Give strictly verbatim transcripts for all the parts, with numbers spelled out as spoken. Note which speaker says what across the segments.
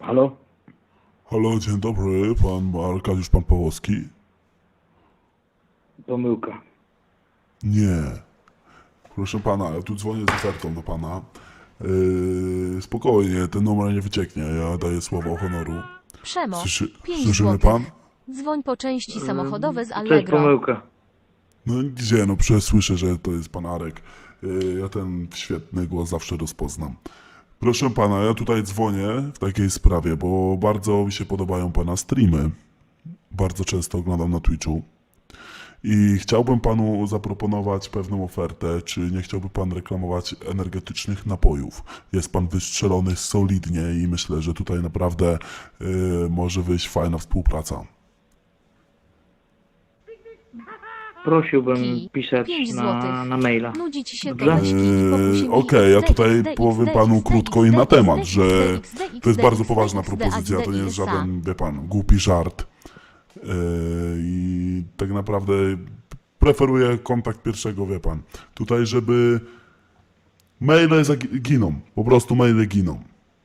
Speaker 1: Halo?
Speaker 2: Halo, dzień dobry, pan Arkadiusz, pan Pawłowski?
Speaker 1: Pomyłka.
Speaker 2: Nie. Proszę pana, ja tu dzwonię z ofertą do pana. Yy, spokojnie, ten numer nie wycieknie, ja daję słowo honoru.
Speaker 3: Przemo,
Speaker 2: Słyszy,
Speaker 3: pięć
Speaker 2: słyszymy
Speaker 3: złotych.
Speaker 2: pan?
Speaker 3: Dzwoń po części samochodowe z
Speaker 1: To jest
Speaker 3: Allegro.
Speaker 1: pomyłka.
Speaker 2: No gdzie, no przecież słyszę, że to jest pan Arek. Yy, ja ten świetny głos zawsze rozpoznam. Proszę pana, ja tutaj dzwonię w takiej sprawie, bo bardzo mi się podobają pana streamy. Bardzo często oglądam na Twitchu. I chciałbym panu zaproponować pewną ofertę, czy nie chciałby pan reklamować energetycznych napojów. Jest pan wystrzelony solidnie i myślę, że tutaj naprawdę y, może wyjść fajna współpraca.
Speaker 1: Prosiłbym
Speaker 3: Kij.
Speaker 1: pisać
Speaker 3: Pięć
Speaker 1: na,
Speaker 3: złotych.
Speaker 1: na maila.
Speaker 3: Nudzi ci się
Speaker 1: Dobrze?
Speaker 3: gadaśki i pokusi
Speaker 2: Yy, Okej, ja tutaj powiem panu
Speaker 3: X D,
Speaker 2: krótko i
Speaker 3: X D,
Speaker 2: na
Speaker 3: X D,
Speaker 2: temat,
Speaker 3: X D,
Speaker 2: że
Speaker 3: X D, X
Speaker 2: to jest
Speaker 3: D,
Speaker 2: bardzo
Speaker 3: X D,
Speaker 2: poważna
Speaker 3: X D,
Speaker 2: propozycja,
Speaker 3: X D,
Speaker 2: to nie jest
Speaker 3: X D.
Speaker 2: żaden, wie pan, głupi żart. Yy, I tak naprawdę preferuję kontakt pierwszego, wie pan. Tutaj, żeby maile zaginą, po prostu maile giną.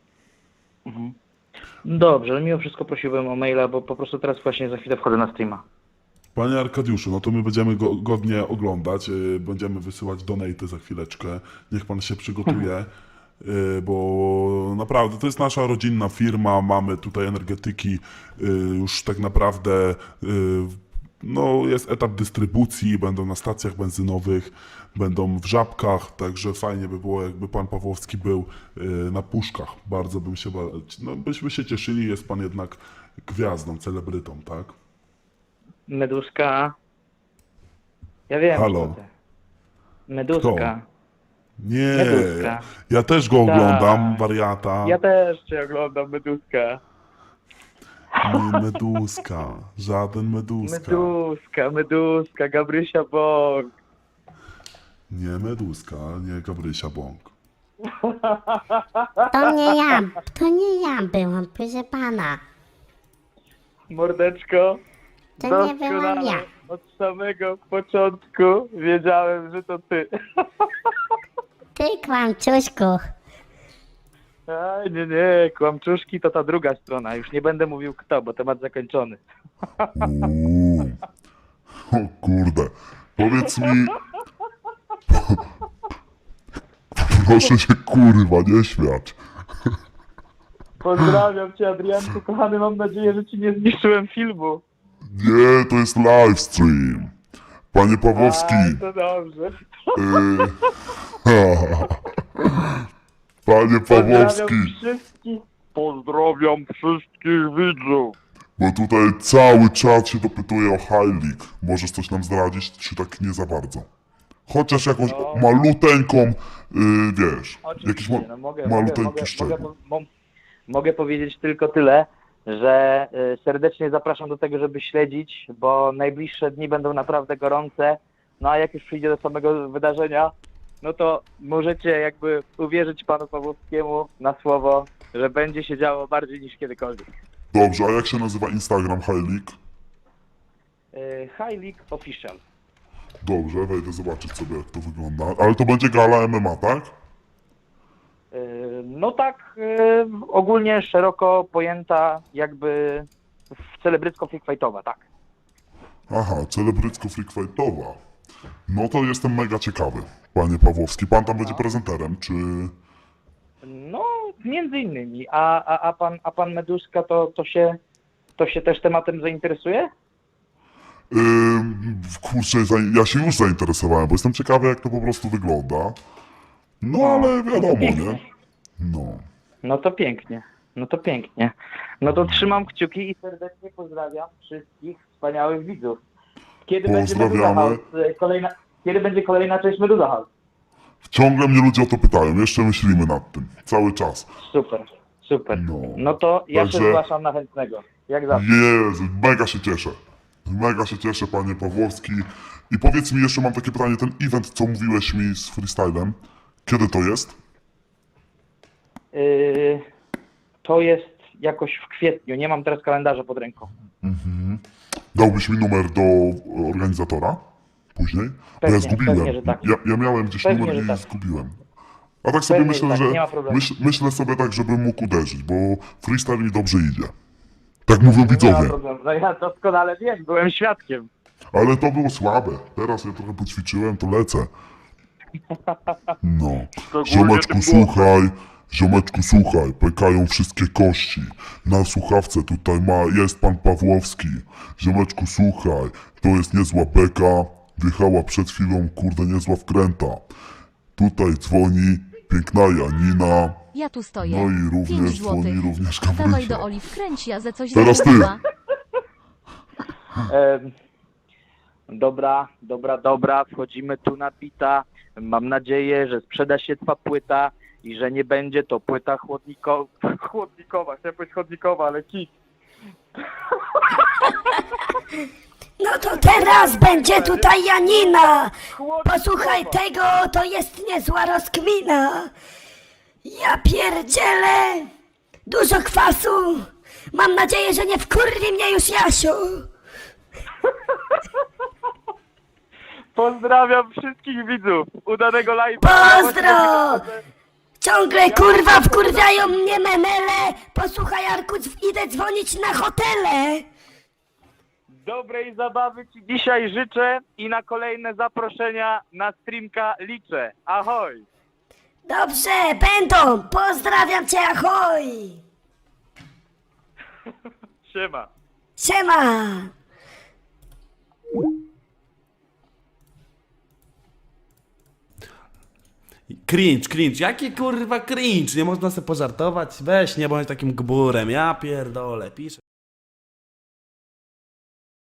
Speaker 1: Dobrze, ale mimo wszystko prosiłbym o maila, bo po prostu teraz właśnie za chwilę wchodzę na streama.
Speaker 2: Panie Arkadiuszu, no to my będziemy go godnie oglądać, yy, będziemy wysyłać donaty za chwileczkę, niech pan się przygotuje, yy, bo naprawdę to jest nasza rodzinna firma, mamy tutaj energetyki, yy, już tak naprawdę yy, no jest etap dystrybucji, będą na stacjach benzynowych, będą w Żabkach, także fajnie by było, jakby pan Pawłowski był yy, na puszkach, bardzo bym się, ba- no byśmy się cieszyli, jest pan jednak gwiazdą, celebrytą, tak?
Speaker 1: Meduska. Ja wiem,
Speaker 2: Halo.
Speaker 1: kto ty. Meduska.
Speaker 2: Nie,
Speaker 1: Meduska.
Speaker 2: ja też go oglądam, wariata.
Speaker 1: Ja też cię oglądam, Meduska.
Speaker 2: Nie meduska, żaden meduska.
Speaker 1: Meduska, Meduska, Gabrysia Bąk.
Speaker 2: Nie meduska, nie Gabrysia Bąk.
Speaker 4: To nie ja, to nie ja byłam, proszę pana.
Speaker 1: Mordeczko.
Speaker 4: To nie byłam
Speaker 1: Doskonale
Speaker 4: ja.
Speaker 1: od samego początku wiedziałem, że to ty.
Speaker 4: Ty kłamczuszku.
Speaker 1: A, nie, nie, kłamczuszki to ta druga strona. Już nie będę mówił kto, bo temat zakończony.
Speaker 2: Uuu. O kurde, powiedz mi... Proszę się kurwa nie śmiać.
Speaker 1: Pozdrawiam cię, Adrianku, kochany, mam nadzieję, że ci nie zniszczyłem filmu.
Speaker 2: Nie, to jest livestream. Panie Pawłowski.
Speaker 1: A, to dobrze.
Speaker 2: y... Panie
Speaker 1: Pozdrawiam
Speaker 2: Pawłowski.
Speaker 1: wszystkich. Pozdrawiam wszystkich widzów.
Speaker 2: Bo tutaj cały czat się dopytuje o High League. Możesz coś nam zdradzić, czy tak nie za bardzo? Chociaż jakąś
Speaker 1: No.
Speaker 2: maluteńką, yy, wiesz, jakiś ma,
Speaker 1: Oczywiście, no mogę, mogę,
Speaker 2: maluteńki
Speaker 1: mogę, mogę,
Speaker 2: szczegół.
Speaker 1: po- mo- mogę powiedzieć tylko tyle, że y, serdecznie zapraszam do tego, żeby śledzić, bo najbliższe dni będą naprawdę gorące. No a jak już przyjdzie do samego wydarzenia, no to możecie jakby uwierzyć panu Pawłowskiemu na słowo, że będzie się działo bardziej niż kiedykolwiek.
Speaker 2: Dobrze, a jak się nazywa Instagram High League?
Speaker 1: Y, High League Official.
Speaker 2: Dobrze, wejdę zobaczyć sobie jak to wygląda. Ale to będzie gala M M A, tak?
Speaker 1: Y, No tak, y, ogólnie szeroko pojęta jakby celebrycko fightowa, tak.
Speaker 2: Aha, celebrycko freakfightowa. No to jestem mega ciekawy, panie Pawłowski. Pan tam będzie prezenterem, czy...
Speaker 1: No, między innymi. A, a, a, pan, a pan Meduska to, to, się, to się też tematem zainteresuje?
Speaker 2: Yy, kurczę, za- ja się już zainteresowałem, bo jestem ciekawy jak to po prostu wygląda. No ale wiadomo, nie? No.
Speaker 1: No to pięknie. No to pięknie. No to trzymam kciuki i serdecznie pozdrawiam wszystkich wspaniałych widzów. Kiedy będzie Meduza
Speaker 2: Pozdrawiamy.
Speaker 1: House? Y, Kolejna, kiedy będzie kolejna część Meduza House?
Speaker 2: Ciągle mnie ludzie o to pytają, jeszcze myślimy nad tym, cały czas.
Speaker 1: Super, super.
Speaker 2: No.
Speaker 1: No to ja
Speaker 2: Także-
Speaker 1: się zgłaszam na chętnego. Jak zawsze.
Speaker 2: Jezu, mega się cieszę. Mega się cieszę, panie Pawłowski. I powiedz mi jeszcze, mam takie pytanie, ten event, co mówiłeś mi z freestylem, kiedy to jest?
Speaker 1: Y, to jest jakoś w kwietniu. Nie mam teraz kalendarza pod ręką.
Speaker 2: Dałbyś mi numer do organizatora? Później? Bo ja
Speaker 1: Pewnie,
Speaker 2: zgubiłem.
Speaker 1: pewnie, że tak.
Speaker 2: Ja, ja miałem gdzieś
Speaker 1: Pewnie,
Speaker 2: numer
Speaker 1: że
Speaker 2: i
Speaker 1: tak.
Speaker 2: zgubiłem. A tak sobie
Speaker 1: Pewnie
Speaker 2: myślę,
Speaker 1: tak,
Speaker 2: że
Speaker 1: nie ma problemu.
Speaker 2: myśl, myślę sobie tak, żebym mógł uderzyć, bo freestyle mi dobrze idzie. Tak mówią
Speaker 1: Nie ma
Speaker 2: widzowie.
Speaker 1: problemu. No ja doskonale wiem, byłem świadkiem.
Speaker 2: Ale to było słabe. Teraz ja trochę poćwiczyłem, to lecę. No. Ziomeczku, słuchaj. Ziomeczku, słuchaj. Pękają wszystkie kości. Na słuchawce tutaj ma, jest pan Pawłowski. Ziomeczku, słuchaj. To jest niezła beka. Wjechała przed chwilą, kurde, niezła wkręta. Tutaj dzwoni piękna Janina.
Speaker 3: Ja tu stoję.
Speaker 2: No i również
Speaker 3: Pięć
Speaker 2: dzwoni
Speaker 3: złotych.
Speaker 2: również
Speaker 3: Dawaj
Speaker 2: Gabrysia.
Speaker 3: do Oli wkręć, ja ze coś
Speaker 2: Teraz ty.
Speaker 3: zamówiła.
Speaker 1: Em, dobra, dobra, dobra, wchodzimy tu na bita. Mam nadzieję, że sprzeda się twa płyta i że nie będzie to płyta chłodniko... chłodnikowa. Chciałem powiedzieć chodnikowa, ale kit.
Speaker 5: No to teraz będzie tutaj Janina.
Speaker 1: Chłodnikowa.
Speaker 5: Posłuchaj tego, to jest niezła rozkmina. Ja pierdzielę. Dużo kwasu. Mam nadzieję, że nie wkurwi mnie już Jasiu.
Speaker 1: Pozdrawiam wszystkich widzów. Udanego live'a.
Speaker 5: Pozdro! Ciągle kurwa wkurwiają mnie menele. Posłuchaj Arku, idę dzwonić na hotele.
Speaker 1: Dobrej zabawy ci dzisiaj życzę i na kolejne zaproszenia na streamka liczę. Ahoj!
Speaker 5: Dobrze, będą. Pozdrawiam cię, ahoj.
Speaker 1: Siema.
Speaker 5: Siema.
Speaker 6: Cringe, cringe, jaki kurwa cringe, nie można sobie pożartować? Weź, nie bądź takim gburem, ja pierdolę, piszę.